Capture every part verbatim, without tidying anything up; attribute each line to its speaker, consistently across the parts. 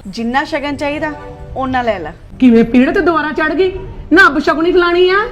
Speaker 1: जिन्ना शगन चाहिए ओना ले ला।
Speaker 2: किवें पीड़ ते दोबारा चढ़ गई ना, बशगुनी खिलानी आ।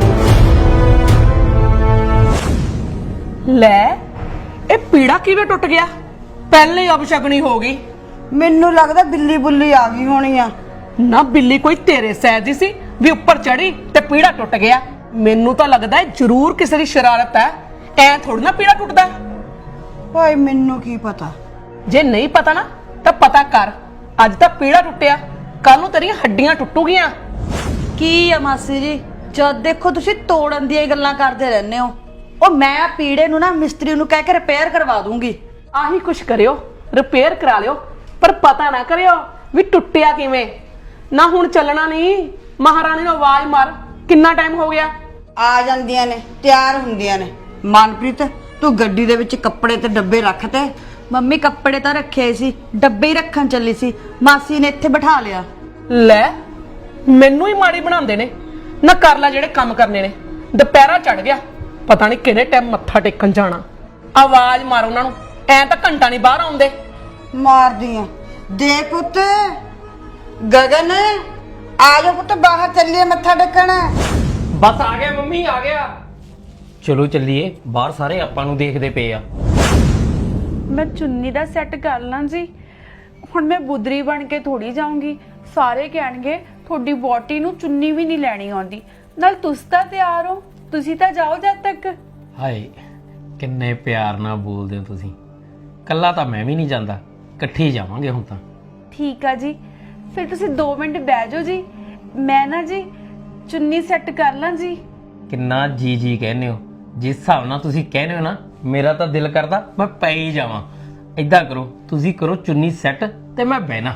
Speaker 2: ले ए पीड़ा किवें टुट गया, पहले ही अपशगनी हो गई।
Speaker 1: मैनू लगदा बिल्ली बुल्ली आ गई होनी आ।
Speaker 2: ना बिल्ली कोई तेरे सैज दी सी भी ऊपर चढ़ी ते पीड़ा टुट गया। मैनू तो लगदा है जरूर किसी दी शरारत है, ऐ थोड़ी ना पीड़ा टुटदा।
Speaker 1: भाई मैनू की पता,
Speaker 2: जे नहीं पता ना तो पता कर। अज तक पीड़ा टुटिया, कल नूं तेरियां हड्डियां टुटूगियां।
Speaker 1: की आ मासी जी, जद देखो तुसी तोड़न दी गल्लां करदे रहने हो। ओ मैं पीड़े नूं ना मिस्त्री नूं कह के रिपेयर करवा दूंगी।
Speaker 2: आही कुछ करियो, रिपेयर करा लियो, पर पता ना करियो भी टुटिया किवें। ना हुण चलना नहीं, महारानी नूं आवाज मार, किन्ना टाइम हो गया।
Speaker 1: आ जांदियां ने, तैयार हुंदियां ने। मनप्रीत तू गड्डी दे विच कपड़े ते डब्बे रख ते। मम्मी कपड़े तां रखे सी, डब्बे ही रखन चली सी, मासी ने इत्थे बिठा लिया।
Speaker 2: ले मैनू ही माड़ी बनांदे ने ना, कर ले जेड़े काम करने ने। दुपहरा चढ़ गया, पता नहीं किहड़े टाइम मत्था टेकन जाना। आवाज मारो उन्हां नूं, ऐ तां घंटा नहीं बाहर आउंदे।
Speaker 1: मारदी आ दे पुੱਤ गगन, आ जा पुੱਤ बाहर चलिए मत्था टेकण।
Speaker 3: बस आ गया मम्मी, आ गया। चलो चलिए बाहर, सारे आपां नूं देखदे पे आ।
Speaker 4: मैं चुन्नी दा सैट कर ਲਾਂ जी, ਹੁਣ मैं बुदरी बन के थोड़ी जाऊंगी। ਸਾਰੇ ਕਹਿਣਗੇ ਤੁਹਾਡੀ ਬੋਟੀ ਨੂੰ ਚੁੰਨੀ ਵੀ ਨਹੀਂ ਲੈਣੀ ਆਉਂਦੀ। ਨਾਲ ਤੁਸੀਂ ਤਾਂ ਤਿਆਰ ਹੋ, ਤੁਸੀਂ ਤਾਂ ਜਾਓ ਜਦ ਤੱਕ।
Speaker 3: ਹਾਏ ਕਿੰਨੇ ਪਿਆਰ ਨਾਲ ਬੋਲਦੇ ਹੋ ਤੁਸੀਂ। ਕੱਲਾ ਤਾਂ ਮੈਂ ਵੀ ਨਹੀਂ ਜਾਂਦਾ, ਇਕੱਠੇ ਜਾਵਾਂਗੇ ਹੁਣ ਤਾਂ।
Speaker 4: ਠੀਕ ਆ ਜੀ, ਫਿਰ ਤੁਸੀਂ ਦੋ ਮਿੰਟ ਬਹਿ ਜਾਓ ਜੀ, ਮੈਂ ਨਾ ਜੀ ਚੁੰਨੀ ਸੈੱਟ ਕਰ ਲਾਂ ਜੀ।
Speaker 3: ਕਿੰਨਾ ਜੀ ਜੀ ਕਹਿੰਦੇ ਹੋ, ਜਿਸ ਹਿਸਾਬ ਨਾਲ ਤੁਸੀਂ ਕਹਿੰਦੇ ਹੋ ਨਾ, ਮੇਰਾ ਤਾਂ ਦਿਲ ਕਰਦਾ ਮੈਂ ਪੈ ਹੀ ਜਾਵਾਂ। ਏਦਾਂ ਕਰੋ, ਤੁਸੀਂ ਕਰੋ ਚੁੰਨੀ ਸੈੱਟ ਤੇ ਮੈਂ ਬਹਿਣਾ।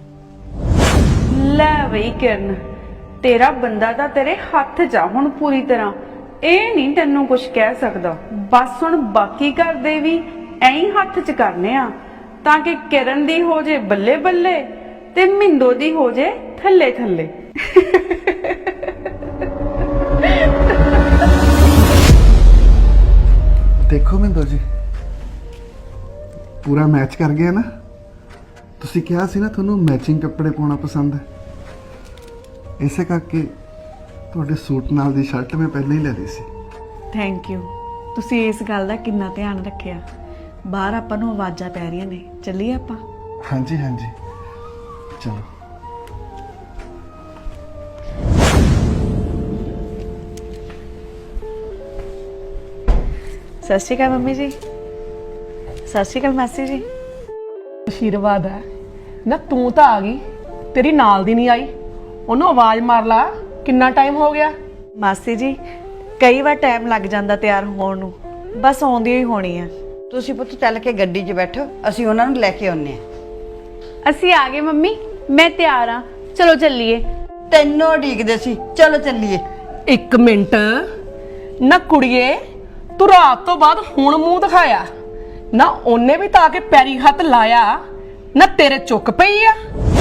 Speaker 4: ਲੈ ਬਈ ਕਿਰਨ, ਤੇਰਾ ਬੰਦਾ ਤਾਂ ਤੇਰੇ ਹੱਥ 'ਚ ਆ ਹੁਣ ਪੂਰੀ ਤਰ੍ਹਾਂ। ਇਹ ਨਹੀਂ ਤੈਨੂੰ ਕੁਝ ਕਹਿ ਸਕਦਾ। ਬਸ ਹੁਣ ਬਾਕੀ ਘਰ ਦੇ ਵੀ ਐਂ ਹੀ ਹੱਥ 'ਚ ਕਰਨੇ ਆ, ਤਾਂ ਕਿ ਕਿਰਨ ਦੀ ਹੋ ਜੇ ਬੱਲੇ ਬੱਲੇ ਤੇ ਮਿੰਦੋ ਦੀ ਹੋ ਜੇ ਥੱਲੇ ਥੱਲੇ।
Speaker 5: देखो मिंदो जी पूरा मैच कर गया ना। तुसी कहा सी ना थोनू मैचिंग कपड़े पाना पसंद है, इसे करके तुहाडे सूट नाल दी शर्ट मैं पहले ही ले ली सी।
Speaker 1: ਥੈਂਕ ਯੂ, ਤੁਸੀਂ ਇਸ ਗੱਲ ਦਾ ਕਿੰਨਾ ਧਿਆਨ ਰੱਖਿਆ। ਬਾਹਰ ਆਪਾਂ ਨੂੰ ਆਵਾਜ਼ਾਂ ਪੈ ਰਹੀਆਂ ਨੇ, ਚੱਲੀਏ ਆਪਾਂ।
Speaker 5: हाँ जी हाँ जी चलो।
Speaker 1: ਸਤਿ ਸ਼੍ਰੀ ਅਕਾਲ ਮੰਮੀ ਜੀ। ਸਤਿ ਸ਼੍ਰੀ ਅਕਾਲ ਮਾਸੀ ਜੀ।
Speaker 2: ਆਸ਼ੀਰਵਾਦ ਹੈ ਨਾ, ਤੂੰ ਤਾਂ ਆ ਗਈ, ਤੇਰੀ ਨਾਲ ਦੀ ਨਹੀਂ ਆਈ। ਉਹਨੂੰ ਆਵਾਜ਼ ਮਾਰ ਲਾ, ਕਿੰਨਾ ਟਾਈਮ ਹੋ ਗਿਆ।
Speaker 1: ਮਾਸੀ ਜੀ ਕਈ ਵਾਰ ਟਾਈਮ ਲੱਗ ਜਾਂਦਾ ਤਿਆਰ ਹੋਣ ਨੂੰ, ਬਸ ਆਉਂਦੀ ਹੀ ਹੋਣੀ ਆ। ਤੁਸੀਂ ਪੁੱਤ ਚੱਲ ਕੇ ਗੱਡੀ 'ਚ ਬੈਠੋ, ਅਸੀਂ ਉਹਨਾਂ ਨੂੰ ਲੈ ਕੇ ਆਉਂਦੇ ਆ।
Speaker 4: ਅਸੀਂ ਆ ਗਏ ਮੰਮੀ, ਮੈਂ ਤਿਆਰ ਆ, ਚਲੋ ਚੱਲੀਏ।
Speaker 1: ਤੈਨੂੰ ਉਡੀਕਦੇ ਸੀ, ਚਲੋ ਚੱਲੀਏ।
Speaker 2: ਇੱਕ ਮਿੰਟ ਨਾ ਕੁੜੀਏ, ਤੂੰ ਰਾਤ ਤੋਂ ਬਾਅਦ ਹੁਣ ਮੂੰਹ ਦਿਖਾਇਆ ਨਾ। ਉਹਨੇ ਵੀ ਤਾਂ ਆ ਕੇ ਪੈਰੀ ਹੱਥ ਲਾਇਆ ਨਾ, ਤੇਰੇ ਚੁੱਕ ਪਈ ਆ।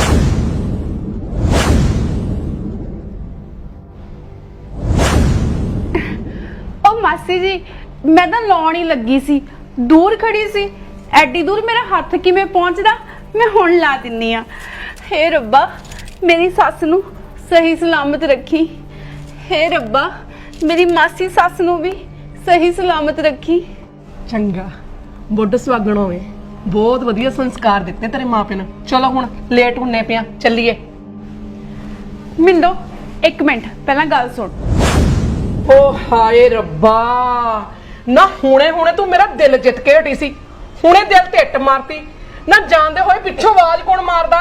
Speaker 4: ਉਹ ਮਾਸੀ ਜੀ ਮੈਂ ਤਾਂ ਲਾਉਣ ਹੀ ਲੱਗੀ ਸੀ, ਦੂਰ ਖੜੀ ਸੀ। ਐਡੀ ਦੂਰ ਮੇਰਾ ਹੱਥ ਕਿਵੇਂ ਪਹੁੰਚਦਾ, ਮੈਂ ਹੁਣ ਲਾ ਦਿੰਨੀ ਆ। ਹੇ ਰੱਬਾ ਮੇਰੀ ਸੱਸ ਨੂੰ ਸਹੀ ਸਲਾਮਤ ਰੱਖੀ। ਹੇ ਰੱਬਾ ਮੇਰੀ ਮਾਸੀ ਸੱਸ ਨੂੰ ਵੀ ਸਹੀ ਸਲਾਮਤ ਰੱਖੀ।
Speaker 2: ਚੰਗਾ, ਬੁੱਢ ਸੁਹਾਗਣ ਹੋਵੇ। ਬਹੁਤ ਵਧੀਆ ਸੰਸਕਾਰ ਦਿੱਤੇ ਤੇਰੇ ਮਾਪੇ ਨੇ। ਚਲੋ ਹੁਣ ਲੇਟ ਹੁੰਨੇ ਪਿਆ, ਚੱਲੀਏ।
Speaker 4: ਮਿੰਦੋ ਇੱਕ ਮਿੰਟ ਪਹਿਲਾਂ ਗੱਲ ਸੁਣ।
Speaker 2: ਓ ਹਾਏ ਰੱਬਾ, ਨਾ ਹੁਣੇ ਹੁਣੇ ਤੂੰ ਮੇਰਾ ਦਿਲ ਜਿੱਤ ਕੇ ਹਟੀ ਸੀ, ਹੁਣੇ ਦਿਲ ਤੇ ਇੱਟ ਮਾਰਤੀ ਨਾ। ਜਾਣਦੇ ਹੋਏ ਪਿੱਛੋਂ ਆਵਾਜ਼ ਕੌਣ ਮਾਰਦਾ?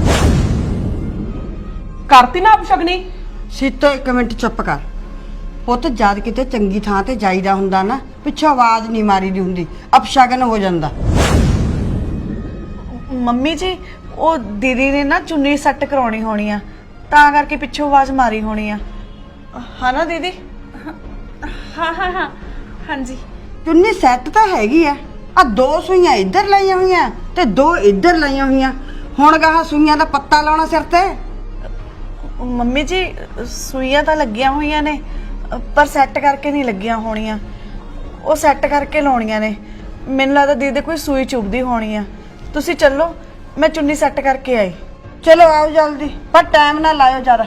Speaker 2: ਕਰਤੀ ਨਾ ਅਪਸ਼ਗਨੀ।
Speaker 1: ਸੀਤੋ ਇੱਕ ਮਿੰਟ ਚੁੱਪ ਕਰ ਪੁੱਤ। ਜਦ ਕਿਤੇ ਚੰਗੀ ਥਾਂ ਤੇ ਜਾਈਦਾ ਹੁੰਦਾ ਨਾ, ਪਿੱਛੋਂ ਆਵਾਜ਼ ਨਹੀਂ ਮਾਰੀ ਦੀ ਹੁੰਦੀ, ਅਪਸ਼ਗਨ ਹੋ ਜਾਂਦਾ। ਮੰਮੀ ਜੀ ਉਹ ਦੀਦੀ ਨੇ ਨਾ ਚੁੰਨੀ ਸੈੱਟ ਕਰਾਉਣੀ ਹੋਣੀ ਆ, ਤਾਂ ਕਰਕੇ ਪਿੱਛੋਂ ਆਵਾਜ਼ ਮਾਰੀ ਹੋਣੀ ਆ। ਹਾਂ ਨਾ ਦੀਦੀ?
Speaker 4: ਹਾਂ ਹਾਂ ਹਾਂ ਹਾਂਜੀ।
Speaker 1: ਚੁੰਨੀ ਸੈੱਟ ਤਾਂ ਹੈਗੀ ਆ, ਆ ਦੋ ਸੂਈਆਂ ਇੱਧਰ ਲਾਈਆਂ ਹੋਈਆਂ ਤੇ ਦੋ ਇੱਧਰ ਲਾਈਆਂ ਹੋਈਆਂ। ਹੁਣ ਗਾਹ ਸੂਈਆਂ ਦਾ ਪੱਤਾ ਲਾਉਣਾ ਸਿਰ ਤੇ। ਮੰਮੀ ਜੀ ਸੂਈਆਂ ਤਾਂ ਲੱਗੀਆਂ ਹੋਈਆਂ ਨੇ, ਪਰ ਸੈੱਟ ਕਰਕੇ ਨਹੀਂ ਲੱਗੀਆਂ ਹੋਣੀਆਂ। ਉਹ ਸੈੱਟ ਕਰਕੇ ਲਾਉਣੀਆਂ ਨੇ। ਮੈਨੂੰ ਲੱਗਦਾ ਦੀਦੀ ਕੋਈ ਸੂਈ ਚੁੱਭਦੀ ਹੋਣੀ ਆ। ਤੁਸੀਂ ਚੱਲੋ, ਮੈਂ ਚੁੰਨੀ ਸੈੱਟ ਕਰਕੇ ਆਈ। ਚਲੋ ਆਓ ਜਲਦੀ, ਪਰ ਟਾਈਮ ਨਾ ਲਾਇਓ ਜ਼ਿਆਦਾ।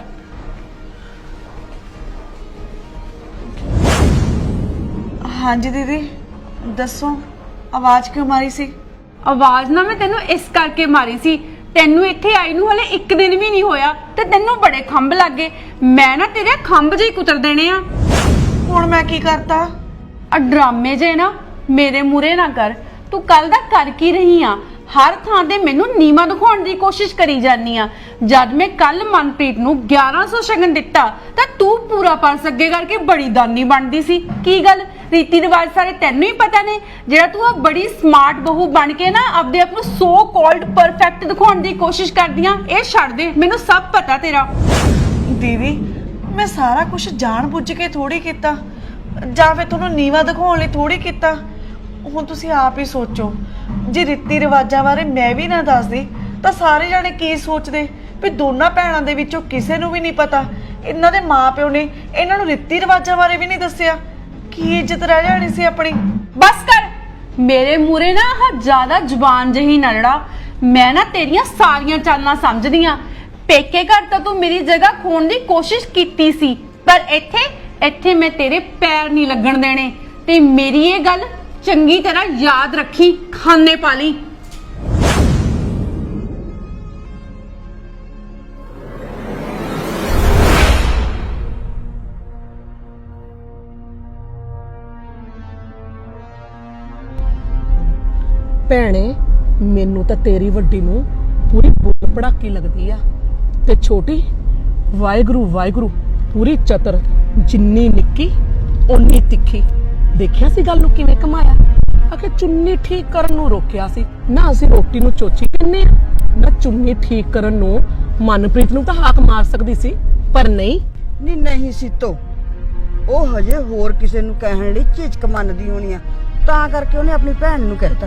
Speaker 1: ਹਾਂਜੀ ਦੀਦੀ ਦੱਸੋ, ਆਵਾਜ਼ ਕਿਉਂ ਮਾਰੀ ਸੀ?
Speaker 4: ਆਵਾਜ਼ ਨਾ ਮੈਂ ਤੈਨੂੰ ਇਸ ਕਰਕੇ ਮਾਰੀ ਸੀ, ਤੈਨੂੰ ਇੱਥੇ ਆਈ ਨੂੰ ਹਲੇ ਇੱਕ ਦਿਨ ਵੀ ਨਹੀਂ ਹੋਇਆ ਤੇ ਤੈਨੂੰ ਬੜੇ ਖੰਭ ਲੱਗੇ। ਮੈਂ ਨਾ ਤੇਰੇ ਖੰਭ ਜਿਹੇ ਕੁਤਰ ਦੇਣੇ ਆ।
Speaker 1: ਹੁਣ ਮੈਂ ਕੀ ਕਰਤਾ?
Speaker 4: ਆ ਡਰਾਮੇ ਜੇ ਨਾ ਮੇਰੇ ਮੂਰੇ ਨਾ ਕਰ। ਤੂੰ ਕੱਲ ਦਾ ਕਰ ਕੀ ਰਹੀ ਆ? ਹਰ ਥਾਂ ਤੇ ਮੈਨੂੰ ਨੀਵਾਂ ਦਿਖਾਉਣ ਦੀ ਕੋਸ਼ਿਸ਼ ਕਰੀ ਜਾਨੀ ਆ। ਜਦ ਮੈਂ ਕੱਲ ਮਨਪ੍ਰੀਤ ਨੂੰ ਗਿਆਰਾਂ ਸੌ ਸ਼ਗਨ ਦਿੱਤਾ ਤਾਂ ਤੂੰ ਪੂਰਾ ਪਰਸ ਅੱਗੇ ਕਰਕੇ ਬੜੀ ਦਾਨੀ ਬਣਦੀ ਸੀ। ਕੀ ਗੱਲ, ਰੀਤੀ ਰਿਵਾਜ ਸਾਰੇ ਤੈਨੂੰ ਹੀ ਪਤਾ ਨੇ? ਜਿਹੜਾ ਤੂੰ ਆ ਬੜੀ ਸਮਾਰਟ ਬਹੂ ਬਣ ਕੇ ਨਾ ਆਪਦੇ ਆਪ ਨੂੰ ਸੋ ਕਾਲਡ ਪਰਫੈਕਟ ਦਿਖਾਉਣ ਦੀ ਕੋਸ਼ਿਸ਼ ਕਰਦੀਆਂ, ਇਹ ਛੱਡ ਦੇ। ਮੈਨੂੰ ਸਭ ਪਤਾ ਤੇਰਾ।
Speaker 1: ਦੀਦੀ ਮੈਂ ਸਾਰਾ ਕੁਝ ਜਾਣ ਬੁੱਝ ਕੇ ਥੋੜੀ ਕੀਤਾ, ਜਾਂ ਫਿਰ ਤੁਹਾਨੂੰ ਨੀਵਾ ਦਿਖਾਉਣ ਲਈ ਥੋੜੀ ਕੀਤਾ। ਹੁਣ ਤੁਸੀਂ ਆਪ ਹੀ ਸੋਚੋ, ਜੇ ਰੀਤੀ ਰਿਵਾਜਾਂ ਬਾਰੇ ਮੈਂ ਵੀ ਨਾ ਦੱਸਦੀ ਤਾਂ ਸਾਰੇ ਜਾਣੇ ਕੀ ਸੋਚਦੇ ਵੀ ਦੋਨਾਂ ਭੈਣਾਂ ਦੇ ਵਿੱਚੋਂ ਕਿਸੇ ਨੂੰ ਵੀ ਨਹੀਂ ਪਤਾ। ਇਹਨਾਂ ਦੇ ਮਾਪਿਓ ਨੇ ਇਹਨਾਂ ਨੂੰ ਰੀਤੀ ਰਿਵਾਜਾਂ ਬਾਰੇ ਵੀ ਨਹੀਂ ਦੱਸਿਆ। ਕੀ ਇੱਜ਼ਤ ਰਹਿ ਜਾਣੀ ਸੀ ਆਪਣੀ?
Speaker 4: ਬਸ ਕਰ, ਮੇਰੇ ਮੂਰੇ ਨਾ ਆਹ ਜ਼ਿਆਦਾ ਜ਼ੁਬਾਨ ਜਹੀ ਨਾ ਲੜਾ। ਮੈਂ ਨਾ ਤੇਰੀਆਂ ਸਾਰੀਆਂ ਚਾਲਾਂ ਸਮਝਦੀ ਆ। ਪੇਕੇ ਘਰ ਤਾਂ ਤੂੰ ਮੇਰੀ ਜਗ੍ਹਾ ਖੋਣ ਦੀ ਕੋਸ਼ਿਸ਼ ਕੀਤੀ ਸੀ, ਪਰ ਇੱਥੇ ਇੱਥੇ ਮੈਂ ਤੇਰੇ ਪੈਰ ਨਹੀਂ ਲੱਗਣ ਦੇਣੇ। ਤੇ ਮੇਰੀ ਇਹ ਗੱਲ ਚੰਗੀ ਤਰ੍ਹਾਂ ਯਾਦ ਰੱਖੀ, ਖਾਨੇ ਪਾ ਲਈ।
Speaker 2: ਭੈਣੇ ਮੈਨੂੰ ਤਾਂ ਤੇਰੀ ਵੱਡੀ ਨੂੰ ਪੂਰੀ ਬੁੱਲ ਪੜਾਕੀ ਲੱਗਦੀ ਆ, ਤੇ ਛੋਟੀ ਵਾਹਿਗੁਰੂ ਵਾਹਿਗੁਰੂ ਪੂਰੀ ਚਤਰ, ਜਿੰਨੀ ਨਿੱਕੀ ਓਨੀ ਤਿੱਖੀ। ਦੇਖਿਆ ਸੀ ਗੱਲ ਨੂੰ ਕਿਵੇਂ ਕਮਾਇਆ? ਆਖੇ ਚੁੰਨੀ ਠੀਕ ਕਰਨ ਨੂੰ ਰੋਕਿਆ ਸੀ ਨਾ, ਅਸੀਂ ਰੋਟੀ ਨੂੰ ਚੋਚੀ ਕਹਿੰਦੇ ਆ ਨਾ। ਚੁੰਨੀ ਠੀਕ ਕਰਨ ਨੂੰ ਮਨਪ੍ਰੀਤ ਨੂੰ ਤਾਂ ਹਾਕ ਮਾਰ ਸਕਦੀ ਸੀ, ਪਰ ਨਹੀਂ।
Speaker 1: ਨਹੀਂ ਨਹੀਂ ਸੀਤੋ, ਉਹ ਹਜੇ ਹੋਰ ਕਿਸੇ ਨੂੰ ਕਹਿਣ ਲਈ ਝਿਜਕ ਮੰਨਦੀ ਹੋਣੀ ਆ, ਤਾਂ ਕਰਕੇ ਉਹਨੇ ਆਪਣੀ ਭੈਣ ਨੂੰ ਕਹਿਤਾ।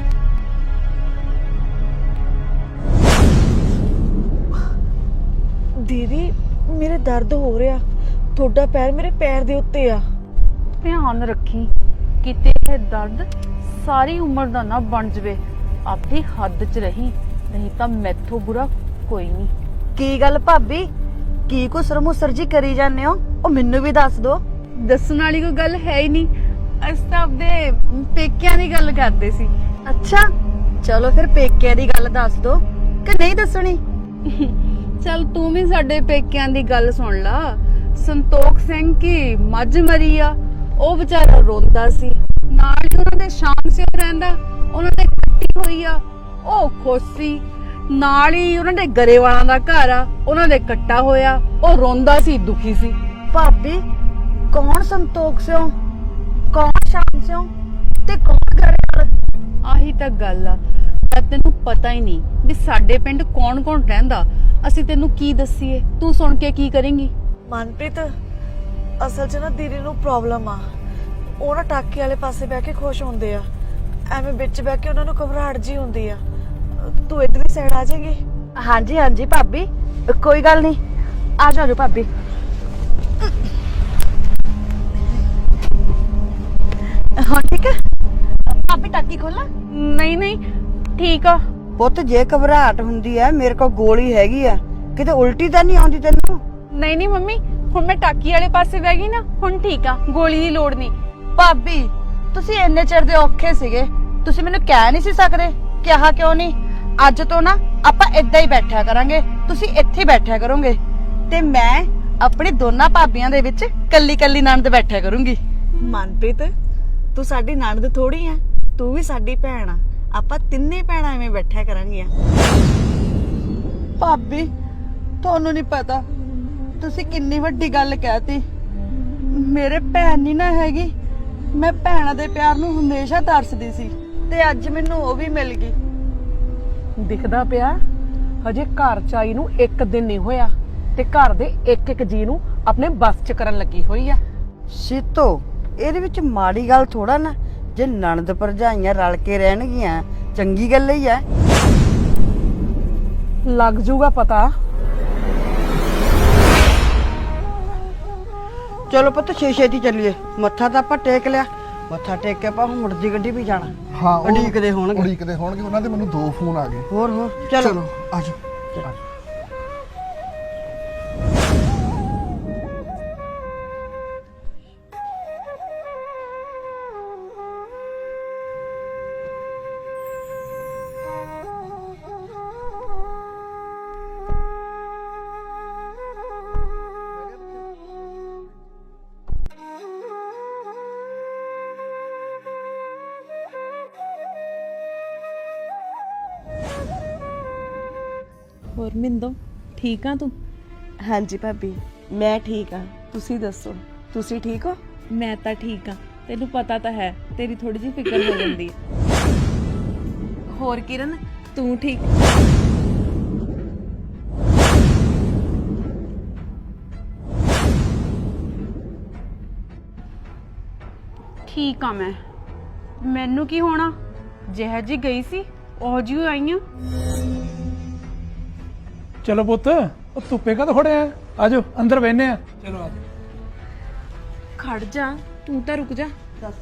Speaker 1: ਦੀਦੀ ਮੇਰੇ ਦਰਦ ਹੋ ਰਿਹਾ, ਤੁਹਾਡਾ ਪੈਰ ਮੇਰੇ ਪੈਰ ਦੇ ਉੱਤੇ ਆ।
Speaker 4: ਧਿਆਨ ਰੱਖੀ ਕਿਤੇ ਇਹ ਦਰਦ ਸਾਰੀ ਉਮਰ ਦਾ ਨਾ ਬਣ ਜਵੇ। ਆਪਣੀ ਹੱਦ 'ਚ ਰਹੀ, ਨਹੀਂ ਤਾਂ ਮੈਥੋਂ ਬੁਰਾ ਕੋਈ ਨਹੀਂ।
Speaker 1: ਕੀ ਗੱਲ ਭਾਬੀ, ਕੀ ਕੋ ਸਰਮੁਸਰ ਜੀ ਕਰੀ ਜਾਂਦੇ ਹੋ? ਉਹ ਮੈਨੂੰ ਵੀ ਦੱਸ ਦੋ।
Speaker 4: ਦੱਸਣ ਵਾਲੀ ਕੋਈ ਗੱਲ ਹੈ ਹੀ ਨਹੀਂ। ਅਸੀਂ ਤਾਂ ਆਪਦੇ ਪੇਕਿਆਂ ਦੀ ਗੱਲ ਕਰਦੇ ਸੀ।
Speaker 1: ਅੱਛਾ ਚਲੋ ਫਿਰ ਪੇਕਿਆਂ ਦੀ ਗੱਲ ਦੱਸ ਦੋ ਕਿ ਨਹੀਂ ਦੱਸਣੀ?
Speaker 4: ਚੱਲ ਤੂੰ ਵੀ ਸਾਡੇ ਪੇਕਿਆਂ ਦੀ ਗੱਲ ਸੁਣ ਲਾ। ਸੰਤੋਖ ਸਿੰਘ ਕੀ ਮੱਝ ਮਰੀ ਆ, ਉਹ ਵਿਚਾਰਾ ਰੋਂਦਾ ਸੀ। ਨਾਲ ਹੀ ਉਹਨਾਂ ਦੇ ਸ਼ਾਮ ਸਿਓ ਰਹਿੰਦਾ, ਉਹਨਾਂ ਦੇ ਕੱਟੀ ਹੋਈ ਆ, ਉਹ ਖੁਸ਼ ਸੀ। ਨਾਲ ਹੀ ਉਹਨਾਂ ਦੇ ਗਰੇਵਾਲਾਂ ਦਾ ਘਰ ਆ, ਉਹਨਾਂ ਦੇ ਕੱਟਾ ਹੋਇਆ, ਉਹ ਰੋਂਦਾ ਸੀ, ਦੁਖੀ ਸੀ।
Speaker 1: ਭਾਬੀ ਕੌਣ ਸੰਤੋਖ ਸਿਓ, ਕੌਣ ਸ਼ਾਮ ਸਿਓ ਤੇ ਕੌਣ ਗਰੇਵਾਲ?
Speaker 4: ਆਹੀ ਤਾਂ ਗੱਲ ਆ। ਜਦ ਤੈਨੂੰ ਪਤਾ ਹੀ ਨਹੀਂ ਵੀ ਸਾਡੇ ਪਿੰਡ ਕੌਣ ਕੌਣ ਰਹਿੰਦਾ, ਅਸੀਂ ਤੈਨੂੰ ਕੀ ਦੱਸੀਏ? ਤੂੰ ਸੁਣ ਕੇ ਕੀ ਕਰੇਂਗੀ?
Speaker 6: ਮਨਪ੍ਰੀਤ ਅਸਲ 'ਚ ਨਾ ਦੀਦੀ ਨੂੰ ਪ੍ਰੋਬਲਮ ਆ। ਉਹ ਨਾ ਟਾਕੀ ਵਾਲੇ ਪਾਸੇ ਬਹਿ ਕੇ ਖੁਸ਼ ਹੁੰਦੇ ਆ, ਐਵੇਂ ਵਿੱਚ ਬਹਿ ਕੇ ਉਹਨਾਂ ਨੂੰ ਘਬਰਾਹਟ ਜੀ ਹੁੰਦੀ ਆ। ਤੂੰ ਇਧਰਲੀ ਸਾਈਡ ਆ ਜਾਏਗੀ?
Speaker 1: ਹਾਂਜੀ ਹਾਂਜੀ ਭਾਬੀ, ਕੋਈ ਗੱਲ ਨਹੀਂ, ਆ ਜਾਓ ਭਾਬੀ। ਹਾਂ ਠੀਕ ਹੈ ਭਾਬੀ, ਟਾਕੀ ਖੋਲਾਂ?
Speaker 4: ਨਹੀਂ ਨਹੀਂ ਠੀਕ ਆ।
Speaker 1: ਪੁੱਤ ਜੇ ਘਬਰਾਹਟ ਹੁੰਦੀ ਹੈ ਮੇਰੇ ਕੋਲ ਗੋਲੀ ਹੈਗੀ ਆ, ਕਿਤੇ ਉਲਟੀ ਤਾਂ ਨਹੀਂ ਆਉਂਦੀ ਤੈਨੂੰ?
Speaker 4: ਨਹੀਂ ਨਹੀਂ ਮੰਮੀ, ਹੁਣ ਮੈਂ ਟਾਕੀ ਵਾਲੇ ਪਾਸੇ ਬਹਿ ਗਈ ਨਾ, ਹੁਣ ਠੀਕ ਆ, ਗੋਲੀ ਦੀ ਲੋੜ ਨਹੀਂ।
Speaker 1: ਭਾਬੀ ਤੁਸੀਂ ਇੰਨੇ ਚਿਰ ਦੇ ਔਖੇ ਸੀਗੇ, ਤੁਸੀਂ ਮੈਨੂੰ ਕਹਿ ਨਹੀਂ ਸੀ ਸਕਦੇ? ਕਿਹਾ ਕਿਉਂ ਨਹੀਂ? ਅੱਜ ਤੋਂ ਨਾ ਆਪਾਂ ਇੱਦਾਂ ਹੀ ਬੈਠਿਆ ਕਰਾਂਗੇ, ਤੁਸੀਂ ਇੱਥੇ ਬੈਠਿਆ ਕਰੋਗੇ ਤੇ ਮੈਂ ਆਪਣੀ ਦੋਨਾਂ ਭਾਬੀਆਂ ਦੇ ਵਿੱਚ ਕੱਲੀ ਕੱਲੀ ਨਣਦ ਬੈਠਿਆ ਕਰੂੰਗੀ।
Speaker 6: ਮਨਪ੍ਰੀਤ ਤੂੰ ਸਾਡੀ ਨਣਦ ਥੋੜੀ ਆ, ਤੂੰ ਵੀ ਸਾਡੀ ਭੈਣ ਆ। ਆਪਾਂ ਤਿੰਨੇ ਭੈਣਾਂ ਐਵੇਂ ਬੈਠਿਆ ਕਰਾਂਗੀਆਂ।
Speaker 1: ਭਾਬੀ ਤੁਹਾਨੂੰ ਨਹੀਂ ਪਤਾ ਤੁਸੀਂ ਕਿੰਨੀ ਵੱਡੀ ਗੱਲ ਕਹਿਤੀ। ਮੇਰੇ ਭੈਣ ਨਹੀਂ ਨਾ ਹੈਗੀ, ਮੈਂ ਭੈਣਾਂ ਦੇ ਪਿਆਰ ਨੂੰ ਹਮੇਸ਼ਾ ਤਰਸਦੀ ਸੀ ਤੇ ਅੱਜ ਮੈਨੂੰ ਉਹ ਵੀ ਮਿਲ ਗਈ।
Speaker 2: ਦਿਖਦਾ ਪਿਆ ਹਜੇ ਘਰ ਚ ਆਈ ਨੂੰ ਇੱਕ ਦਿਨ ਨਹੀਂ ਹੋਇਆ ਤੇ ਘਰ ਦੇ ਇੱਕ ਇੱਕ ਜੀ ਨੂੰ ਆਪਣੇ ਬਸ ਚ ਕਰਨ ਲੱਗੀ ਹੋਈ ਆ।
Speaker 1: ਸੀਤੋ ਇਹਦੇ ਵਿੱਚ ਮਾੜੀ ਗੱਲ ਥੋੜਾ ਨਾ, ਜੇ ਨਣਦ ਭਰਜਾਈਆਂ ਰਲ ਕੇ ਰਹਿਣਗੀਆਂ ਚੰਗੀ ਗੱਲ ਹੀ ਆ।
Speaker 2: ਲੱਗ ਜੂਗਾ ਪਤਾ।
Speaker 1: ਚਲੋ ਪੁੱਤ ਛੇ ਛੇਤੀ ਚੱਲੀਏ, ਮੱਥਾ ਤਾਂ ਆਪਾਂ ਟੇਕ ਲਿਆ, ਮੱਥਾ ਟੇਕ ਕੇ ਆਪਾਂ ਮੁੜਦੀ ਗੱਡੀ ਵੀ ਜਾਣਾ।
Speaker 5: ਹਾਂ ਉਹ
Speaker 1: ਉਡੀਕਦੇ ਹੋਣਗੇ।
Speaker 5: ਉਡੀਕਦੇ ਹੋਣਗੇ, ਉਹਨਾਂ ਦੇ ਮੈਨੂੰ ਦੋ ਫੋਨ ਆ ਗਏ।
Speaker 1: ਹੋਰ ਹੋਰ ਚਲੋ
Speaker 5: ਚਲੋ ਆਜੋ।
Speaker 4: ਹੋਰ ਮਿੰਦੋ ਠੀਕ ਆ ਤੂੰ?
Speaker 6: ਹਾਂਜੀ ਭਾਬੀ ਮੈਂ ਠੀਕ ਆ, ਤੁਸੀਂ ਦੱਸੋ ਤੁਸੀਂ ਠੀਕ ਹੋ?
Speaker 4: ਮੈਂ ਤਾਂ ਠੀਕ ਆ, ਤੈਨੂੰ ਪਤਾ ਤਾਂ ਹੈ ਤੇਰੀ ਥੋੜੀ ਜਿਹੀ ਫਿਕਰ ਹੋ ਜਾਂਦੀ ਹੈ। ਹੋਰ ਕਿਰਨ ਤੂੰ ਠੀਕ? ਠੀਕ ਆ ਮੈਂ, ਮੈਨੂੰ ਕੀ ਹੋਣਾ, ਜਿਹੋ ਜੀ ਗਈ ਸੀ ਉਹ ਜੀ ਆਈਆਂ।
Speaker 7: ਚਲੋ ਪੁੱਤ, ਉਹ ਧੁੱਪੇ ਕਾ ਖੜਿਆ? ਆਜੋ ਅੰਦਰ ਬੈਠਨੇ ਆ। ਚਲੋ ਆਜੋ।
Speaker 4: ਖੜ ਜਾ, ਤੂੰ ਤਾਂ ਰੁਕ ਜਾ।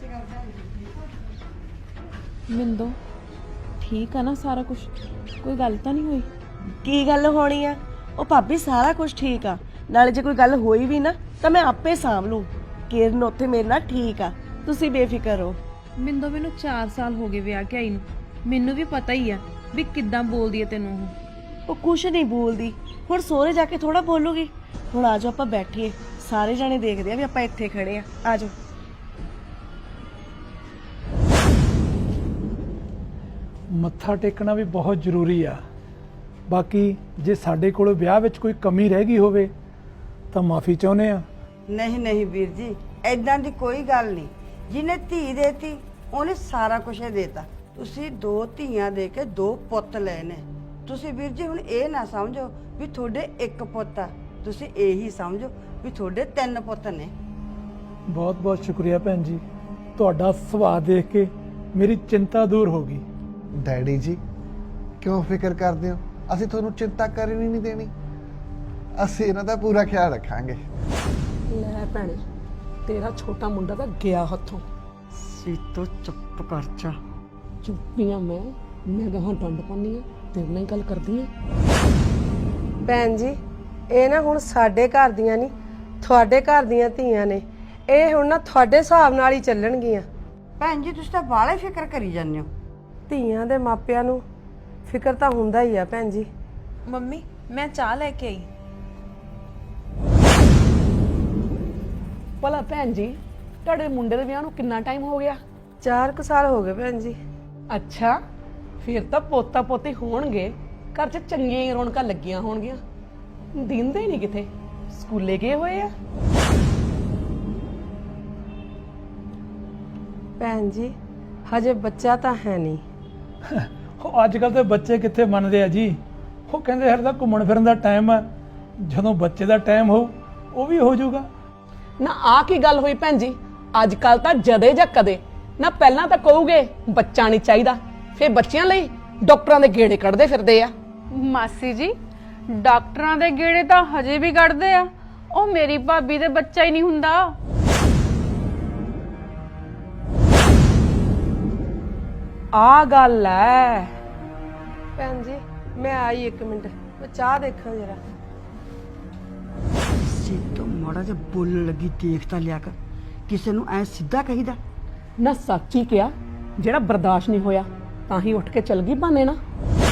Speaker 4: ਮਿੰਦੋ ਠੀਕ ਆ ਨਾ ਸਾਰਾ ਕੁਝ? ਕੋਈ ਗੱਲ ਤਾਂ ਨਹੀਂ ਹੋਈ?
Speaker 6: ਕੀ ਗੱਲ ਹੋਣੀ ਆ? ਉਹ ਭਾਬੀ ਸਾਰਾ ਕੁਝ ਠੀਕ ਆ, ਨਾਲੇ ਜੇ ਕੋਈ ਗੱਲ ਹੋਈ ਵੀ ਨਾ ਤਾਂ ਮੈਂ ਆਪੇ ਸਾਂਭ ਲੂੰ। ਕਿਰਨ ਉੱਥੇ ਮੇਰੇ ਨਾਲ ਠੀਕ ਆ, ਤੁਸੀਂ ਬੇਫਿਕਰ ਹੋ।
Speaker 4: ਮਿੰਦੋ ਮੈਨੂੰ ਚਾਰ ਸਾਲ ਹੋ ਗਏ ਵਿਆਹ ਕੇ ਆਈ ਨੂੰ, ਮੈਨੂੰ ਵੀ ਪਤਾ ਹੀ ਆ ਵੀ ਕਿੱਦਾਂ ਬੋਲਦੀ ਹੈ ਤੈਨੂੰ ਉਹ।
Speaker 6: ਉਹ ਕੁਛ ਨਹੀਂ ਬੋਲਦੀ, ਹੁਣ ਸੋਹਰੇ ਜਾ ਕੇ ਥੋੜਾ ਬੋਲੂਗੀ। ਹੁਣ ਆਜੋ ਆਪਾਂ ਬੈਠੀਏ, ਸਾਰੇ ਜਾਣੇ ਦੇਖਦੇ ਆ ਵੀ ਆਪਾਂ ਇੱਥੇ ਖੜੇ ਆ। ਆਜੋ।
Speaker 7: ਮੱਥਾ ਟੇਕਣਾ ਵੀ ਬਹੁਤ ਜ਼ਰੂਰੀ ਆ। ਬਾਕੀ ਜੇ ਸਾਡੇ ਕੋਲ ਵਿਆਹ ਵਿੱਚ ਕੋਈ ਕਮੀ ਰਹਿ ਗਈ ਹੋਵੇ ਤਾਂ ਮਾਫੀ ਚਾਹੁੰਦੇ ਆ।
Speaker 1: ਨਹੀਂ ਨਹੀਂ ਵੀਰ ਜੀ, ਐਦਾਂ ਦੀ ਕੋਈ ਗੱਲ ਨਹੀਂ। ਜਿਹਨੇ ਧੀ ਦੇਤੀ ਉਹਨੇ ਸਾਰਾ ਕੁਝ ਹੀ ਦੇਤਾ। ਤੁਸੀਂ ਦੋ ਧੀਆਂ ਦੇ ਕੇ ਦੋ ਪੁੱਤ ਲਏ ਨੇ। ਤੁਸੀਂ ਵੀਰ ਜੀ ਹੁਣ ਇਹ ਨਾ ਸਮਝੋ ਵੀ ਤੁਹਾਡੇ ਇੱਕ ਪੁੱਤ ਆ, ਤੁਸੀਂ ਇਹੀ ਸਮਝੋ ਵੀ ਤੁਹਾਡੇ ਤਿੰਨ ਪੁੱਤ ਨੇ।
Speaker 7: ਬਹੁਤ ਬਹੁਤ ਸ਼ੁਕਰੀਆ ਭੈਣ ਜੀ, ਤੁਹਾਡਾ ਸੁਭਾਅ ਦੇਖ ਕੇ ਮੇਰੀ ਚਿੰਤਾ ਦੂਰ ਹੋ ਗਈ।
Speaker 5: ਡੈਡੀ ਜੀ ਕਿਉਂ ਫਿਕਰ ਕਰਦੇ ਹੋ? ਅਸੀਂ ਤੁਹਾਨੂੰ ਚਿੰਤਾ ਕਰਨੀ ਨਹੀਂ ਦੇਣੀ, ਅਸੀਂ ਇਹਨਾਂ ਦਾ ਪੂਰਾ ਖਿਆਲ ਰੱਖਾਂਗੇ।
Speaker 2: ਲੈ ਭੈਣੇ, ਤੇਰਾ ਛੋਟਾ ਮੁੰਡਾ ਤਾਂ ਗਿਆ ਹੱਥੋਂ।
Speaker 1: ਸੀਤੋ ਚੁੱਪ ਕਰ ਜਾ।
Speaker 2: ਚੁੱਪੀਆਂ ਮੈਂ ਮੈਂ ਗਾਹਾਂ ਡੰਡ ਪਾਉਂਦੀ ਆ, ਤੇਰੇ ਨਾਲ ਹੀ ਗੱਲ ਕਰਦੀ ਆ।
Speaker 8: ਭੈਣ ਜੀ ਇਹ ਨਾ ਹੁਣ ਸਾਡੇ ਘਰ ਦੀਆਂ ਨਹੀਂ, ਤੁਹਾਡੇ ਘਰ ਦੀਆਂ ਧੀਆਂ ਨੇ। ਇਹ ਹੁਣ ਨਾ ਤੁਹਾਡੇ ਹਿਸਾਬ ਨਾਲ ਹੀ ਚੱਲਣਗੀਆਂ।
Speaker 1: ਭੈਣ ਜੀ ਤੁਸੀਂ ਤਾਂ ਬਾਹਲੇ ਫਿਕਰ ਕਰੀ ਜਾਂਦੇ ਹੋ।
Speaker 8: ਧੀਆਂ ਦੇ ਮਾਪਿਆਂ ਨੂੰ ਫਿਕਰ ਤਾਂ ਹੁੰਦਾ ਹੀ ਆ ਭੈਣ ਜੀ।
Speaker 4: ਮੰਮੀ ਮੈਂ ਚਾਹ ਲੈ ਕੇ ਆਈ।
Speaker 2: ਭਲਾ ਭੈਣ ਜੀ, ਤੁਹਾਡੇ ਮੁੰਡੇ ਦੇ ਵਿਆਹ ਨੂੰ ਕਿੰਨਾ ਟਾਈਮ ਹੋ ਗਿਆ?
Speaker 8: ਚਾਰ ਕੁ ਸਾਲ ਹੋ ਗਏ ਭੈਣ ਜੀ।
Speaker 2: ਅੱਛਾ, ਫਿਰ ਤਾਂ ਪੋਤਾ ਪੋਤੀ ਹੋਣਗੇ, ਘਰ 'ਚ ਚੰਗੀਆਂ ਹੀ ਰੌਣਕਾਂ ਲੱਗੀਆਂ ਹੋਣਗੀਆਂ। ਦਿੰਦੇ ਹੀ ਨਹੀਂ ਕਿਤੇ, ਸਕੂਲੇ ਗਏ ਹੋਏ ਆ।
Speaker 8: ਭੈਣ ਜੀ ਹਜੇ ਬੱਚਾ ਤਾਂ ਹੈ ਨਹੀਂ।
Speaker 7: ਉਹ ਅੱਜ ਕੱਲ ਦੇ ਬੱਚੇ ਕਿੱਥੇ ਮੰਨਦੇ ਆ ਜੀ। ਉਹ ਕਹਿੰਦੇ ਹਰ ਦਾ ਘੁੰਮਣ ਫਿਰਨ ਦਾ ਟਾਈਮ ਆ, ਜਦੋਂ ਬੱਚੇ ਦਾ ਟਾਈਮ ਹੋਊ ਉਹ ਵੀ ਹੋ ਜਾਊਗਾ।
Speaker 2: ਨਾ ਆ ਕੀ ਗੱਲ ਹੋਈ ਭੈਣ ਜੀ? ਅੱਜ ਕੱਲ ਤਾਂ ਜਦੇ ਜਾਂ ਕਦੇ ਨਾ, ਪਹਿਲਾਂ ਤਾਂ ਕਹੋਗੇ ਬੱਚਾ ਨਹੀਂ ਚਾਹੀਦਾ, ਫਿਰ ਬੱਚਿਆਂ ਲਈ ਡਾਕਟਰਾਂ ਦੇ ਗੇੜੇ ਕੱਢਦੇ ਫਿਰਦੇ ਆ।
Speaker 4: ਮਾਸੀ ਜੀ ਡਾਕਟਰਾਂ ਦੇ ਗੇੜੇ ਤਾਂ ਹਜੇ ਵੀ ਕੱਢਦੇ ਆ, ਉਹ ਮੇਰੀ ਭਾਬੀ ਦੇ ਬੱਚਾ ਹੀ ਨਹੀਂ ਹੁੰਦਾ।
Speaker 2: ਆ ਗੱਲ ਐ।
Speaker 8: ਭੈਣ ਜੀ ਮੈਂ ਆਈ ਇੱਕ ਮਿੰਟ, ਮੈਂ ਚਾਹ ਦੇਖਾਂ ਜਰਾ।
Speaker 1: ਸੀਤੋ ਮਾੜਾ ਜਿਹਾ ਬੋਲਣ ਲੱਗੀ ਦੇਖ ਤਾਂ ਲਿਆ ਕਰ, ਕਿਸੇ ਨੂੰ ਐ ਸਿੱਧਾ ਕਹੀਦਾ।
Speaker 2: ਨਾ ਸੱਚੀ ਕਿਹਾ, ਜਿਹੜਾ ਬਰਦਾਸ਼ਤ ਨਹੀਂ ਹੋਇਆ ਤਾਂ ਹੀ ਉੱਠ ਕੇ ਚਲ ਗਈ ਬਾਨੇ ਨਾ।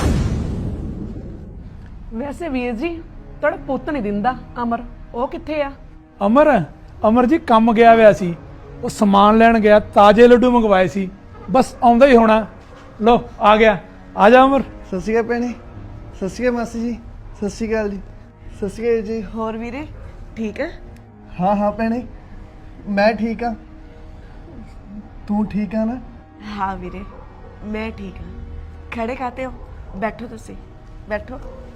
Speaker 2: ਵੈਸੇ ਵੀਰ ਜੀ ਤੁਹਾਡਾ ਪੁੱਤ ਨਹੀਂ ਦਿੰਦਾ ਅਮਰ, ਉਹ ਕਿੱਥੇ ਆ?
Speaker 7: ਅਮਰ ਅਮਰ ਜੀ ਕੰਮ ਗਿਆ ਹੋਇਆ ਸੀ, ਉਹ ਸਮਾਨ ਲੈਣ ਗਿਆ, ਤਾਜ਼ੇ ਲੱਡੂ ਮੰਗਵਾਏ ਸੀ, ਬਸ ਆਉਂਦਾ ਹੀ ਹੋਣਾ। ਲੋ ਆ ਗਿਆ, ਆ ਜਾ ਅਮਰ।
Speaker 5: ਸਤਿ ਸ਼੍ਰੀ ਅਕਾਲ ਭੈਣੇ। ਸਤਿ ਸ਼੍ਰੀ ਅਕਾਲ ਮਾਸੀ ਜੀ। ਸਤਿ ਸ਼੍ਰੀ ਅਕਾਲ ਜੀ। ਸਤਿ ਸ਼੍ਰੀ ਅਕਾਲ ਜੀ।
Speaker 6: ਹੋਰ ਵੀਰੇ ਠੀਕ ਹੈ?
Speaker 5: ਹਾਂ ਹਾਂ ਭੈਣੇ ਮੈਂ ਠੀਕ ਆ, ਤੂੰ ਠੀਕ ਆ ਨਾ?
Speaker 6: ਹਾਂ ਵੀਰੇ ਮੈਂ ਠੀਕ ਹਾਂ। ਖੜੇ ਖਾਤੇ ਹੋ, ਬੈਠੋ ਤੁਸੀਂ ਬੈਠੋ।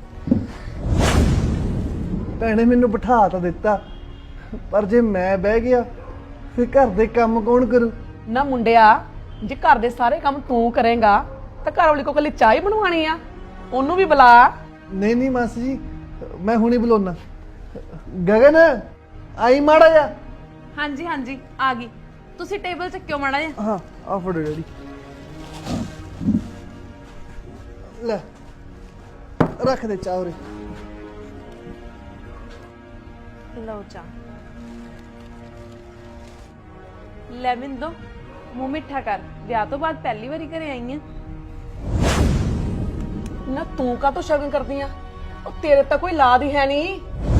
Speaker 5: ਭੈਣੇ ਮੈਨੂੰ ਬਿਠਾ ਤਾਂ ਦਿੱਤਾ, ਪਰ ਜੇ ਮੈਂ ਬਹਿ ਗਿਆ ਫਿਰ ਘਰ ਦੇ ਕੰਮ ਕੌਣ ਕਰੂ?
Speaker 2: ਨਾ ਮੁੰਡਿਆ, ਜੇ ਘਰ ਦੇ ਸਾਰੇ ਕੰਮ ਤੂੰ ਕਰੇਗਾ ਤਾਂ ਘਰ ਵਾਲੀ ਕੋ ਕੱਲੀ ਚਾਹ ਹੀ ਬਣਵਾਣੀ ਆ, ਉਹਨੂੰ ਵੀ ਬੁਲਾ।
Speaker 5: ਨਹੀਂ ਨਹੀਂ ਮਾਸੀ ਜੀ ਮੈਂ ਹੁਣੇ ਬੁਲਾਉਣਾ। ਗਗਨ ਆਈ ਮਾੜਾ ਜਾ।
Speaker 4: ਹਾਂਜੀ ਹਾਂਜੀ ਆ ਗਈ। ਤੁਸੀਂ ਟੇਬਲ ਚੱਕਿਓ ਮਾੜਾ ਜਿਹਾ।
Speaker 5: ਹਾਂ ਆ ਫੜੋ ਡੈਡੀ, ਲੈ ਰੱਖ ਦੇ ਚਾਹ ਉਰੇ।
Speaker 4: ਲਓ ਚਾਹ। ਲੈ ਮਿੰਦੋ ਮੂੰਹ ਮਿੱਠਾ ਕਰ, ਵਿਆਹ ਤੋਂ ਬਾਅਦ ਪਹਿਲੀ ਵਾਰੀ ਘਰੇ ਆਈ ਆ।
Speaker 2: ਨਾ ਤੂੰ ਕਾਹਤੋਂ ਸ਼ਗਨ ਕਰਦੀ ਆ? ਉਹ ਤੇਰੇ ਤਾਂ ਕੋਈ ਲਾਦ ਹੀ ਹੈ ਨਹੀਂ।